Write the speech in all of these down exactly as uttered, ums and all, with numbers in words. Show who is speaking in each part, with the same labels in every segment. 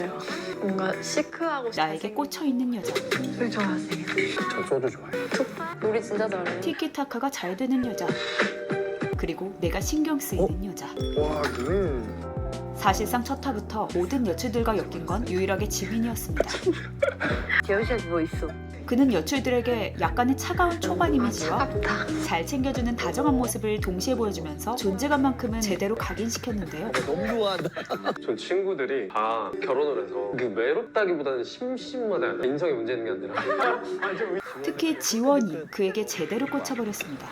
Speaker 1: 뭔가 시크하고
Speaker 2: 나에게 꽂혀있는 여자.
Speaker 1: 술 좋아하세요?
Speaker 3: 전 소주 좋아해요.
Speaker 1: 우리 진짜 잘해.
Speaker 2: 티키타카가 잘 되는 여자. 그리고 내가 신경 쓰이는 여자.
Speaker 3: 와, 음.
Speaker 2: 사실상 첫 화부터 모든 여출들과 엮인 건 유일하게 지민이었습니다.
Speaker 1: 여시야 뭐 있어?
Speaker 2: 그는 여출들에게 약간의 차가운 초반
Speaker 1: 아
Speaker 2: 이미지와
Speaker 1: 차갑다.
Speaker 2: 잘 챙겨주는 다정한 모습을 동시에 보여주면서 존재감만큼은 제대로 각인시켰는데요.
Speaker 4: 너무 좋아한다.
Speaker 3: 전 친구들이 다 결혼을 해서 그 외롭다기보다는 심심하다. 인성에 문제 있는 게 아니라.
Speaker 2: 특히 지원이 그에게 제대로 꽂혀버렸습니다.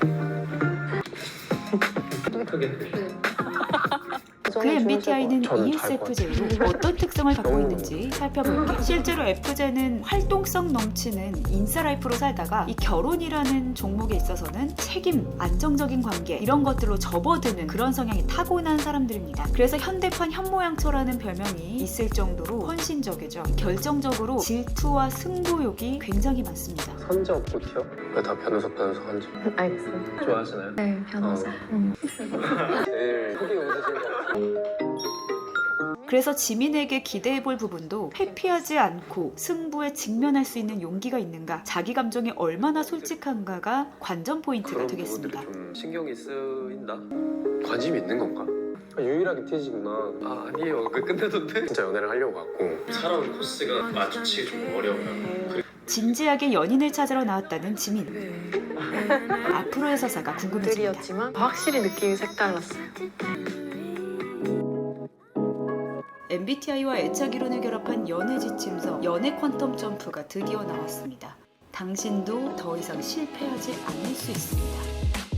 Speaker 2: 그 엠비티아이는
Speaker 3: 저는 잘
Speaker 2: 이에스에프제이로 어떤 특성을 갖고 있는지 살펴볼게요. 실제로 에프제는 활동성 넘치는 인싸라이프로 살다가 이 결혼이라는 종목에 있어서는 책임, 안정적인 관계 이런 것들로 접어드는 그런 성향이 타고난 사람들입니다. 그래서 현대판 현모양처라는 별명이 있을 정도로 헌신적이죠. 결정적으로 질투와 승부욕이 굉장히 많습니다.
Speaker 3: 선제 없고티요? 왜 다 변호사 변호사 한지
Speaker 1: 알겠습니다.
Speaker 3: 좋아하시나요?
Speaker 1: 네 변호사.
Speaker 3: 어.
Speaker 1: 응.
Speaker 3: 제일 크게 웃으신 거.
Speaker 2: 그래서 지민에게 기대해볼 부분도 회피하지 않고 승부에 직면할 수 있는 용기가 있는가, 자기 감정이 얼마나 솔직한가가 관전 포인트가
Speaker 3: 그런
Speaker 2: 되겠습니다.
Speaker 3: 부분들이 좀 신경이 쓰인다? 관심이 있는 건가? 아, 유일하게 티지구나. 아 아니에요. 그 끝내던데? 진짜 연애를 하려고 갔고 살아온 코스가 마주치기 좀 어려워요.
Speaker 2: 진지하게 연인을 찾으러 나왔다는 지민. 앞으로의 서사가 궁금해집니다.
Speaker 1: 들이었지만 확실히 느낌이 색달랐어요.
Speaker 2: 엠비티아이와 애착 이론을 결합한 연애 지침서 연애 퀀텀 점프가 드디어 나왔습니다. 당신도 더 이상 실패하지 않을 수 있습니다.